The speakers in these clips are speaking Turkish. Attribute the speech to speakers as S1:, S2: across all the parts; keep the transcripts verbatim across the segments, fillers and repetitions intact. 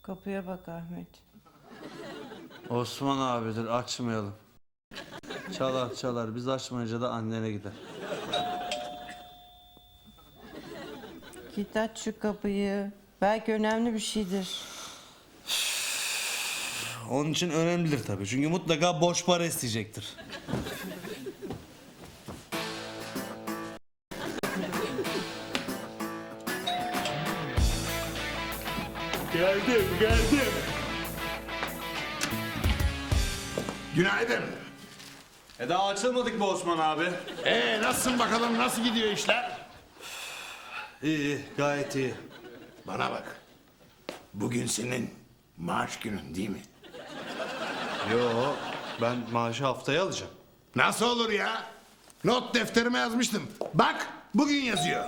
S1: Kapıya bak Ahmet.
S2: Osman abidir, açmayalım. Çalar çalar, biz açmayınca da annene gider.
S1: Git aç şu kapıyı. Belki önemli bir şeydir.
S2: Onun için önemlidir tabii. Çünkü mutlaka borç para isteyecektir.
S3: Geldim, geldim.
S4: Günaydın.
S2: E daha açılmadık mı Osman abi?
S4: Ee nasılsın bakalım, nasıl gidiyor işler?
S2: İyi, iyi, gayet iyi.
S4: Bana bak. Bugün senin maaş günün değil mi?
S2: Yo, ben maaşı haftaya alacağım.
S4: Nasıl olur ya? Not defterime yazmıştım. Bak, bugün yazıyor.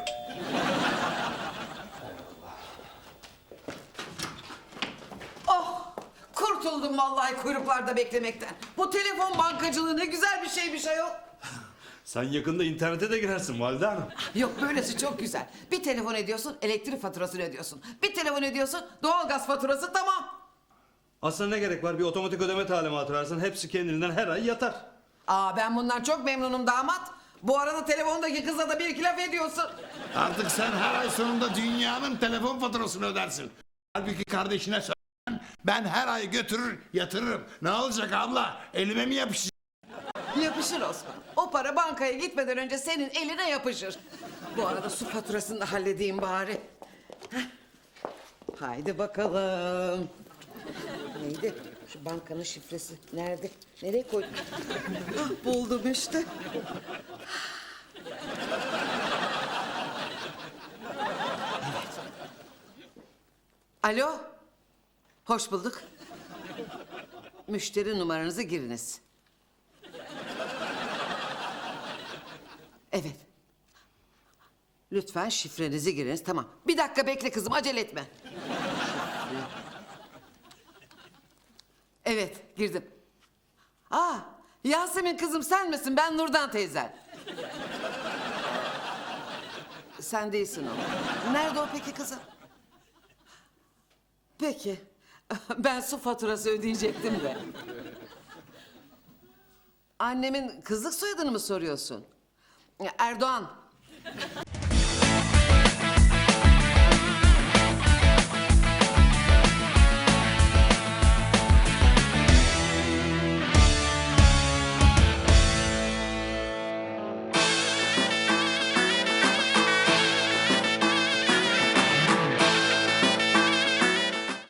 S5: Oh, kurtuldum vallahi kuyruklarda beklemekten. Bu telefon bankacılığı ne güzel bir şeymiş ayol.
S2: Sen yakında internete de girersin Valide Hanım.
S5: Yok, böylesi çok güzel. Bir telefon ediyorsun, elektrik faturasını ödüyorsun. Bir telefon ediyorsun, doğalgaz faturası, tamam.
S2: Aslında ne gerek var? Bir otomatik ödeme talimatı versen hepsi kendiliğinden her ay yatar.
S5: Aa, ben bundan çok memnunum damat. Bu arada telefondaki kıza da bir iki laf ediyorsun.
S4: Artık sen her ay sonunda dünyanın telefon faturasını ödersin. Halbuki kardeşine söylesen ben her ay götürür yatırırım. Ne olacak abla? Elime mi yapışacak?
S5: Yapışır Osman. O para bankaya gitmeden önce senin eline yapışır. Bu arada su faturasını da halledeyim bari. Heh. Haydi bakalım. Neydi? Şu bankanın şifresi nerede? Nereye koydum? Ah, buldum işte. Alo. Hoş bulduk. Müşteri numaranızı giriniz. Evet. Lütfen şifrenizi giriniz. Tamam. Bir dakika bekle kızım, acele etme. Evet, girdim. Aa, Yasemin kızım sen misin? Ben Nurdan teyzen. Sen değilsin o. Nerede o peki kızım? Peki. Ben su faturası ödeyecektim de. Annemin kızlık soyadını mı soruyorsun? Erdoğan.